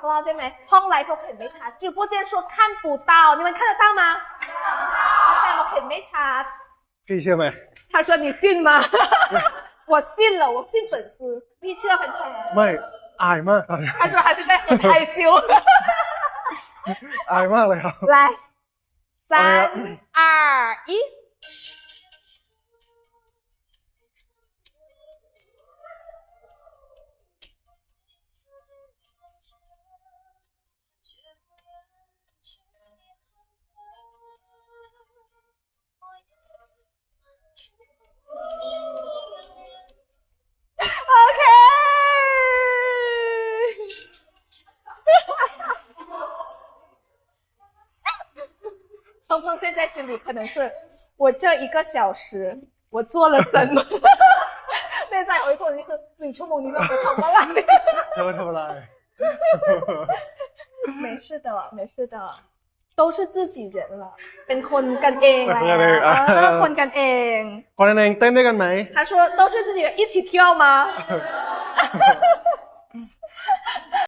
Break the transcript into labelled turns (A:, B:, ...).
A: รอบได้ไหมห้องไลฟ์เขาเห็นไม่ชัด直播间说看不到你们看得到吗แต่เราเห็นไม่ชัด
B: พี่เชื่อไหม
A: 他说你信吗我信了我信粉丝พี่เชื่อแฟนๆ
B: ไม่อายมากตอนนี้
A: 他说还是在很害羞
B: อายมากเลยครับ
A: 来3、2、1OK 鹏鹏现在心里可能是我这1個小時我做了什麼ในใจของคนนี้คือ1 ชั่วโมงนี้เราไปทำอะไร
B: จะมาทำอะไร
A: 没事的没事的都是自己人了เป็นคนกันเองแล้วคนกันเอง
B: คนกันเองเต้นด้วยกันไหม
A: 他说都是自己人一起跳吗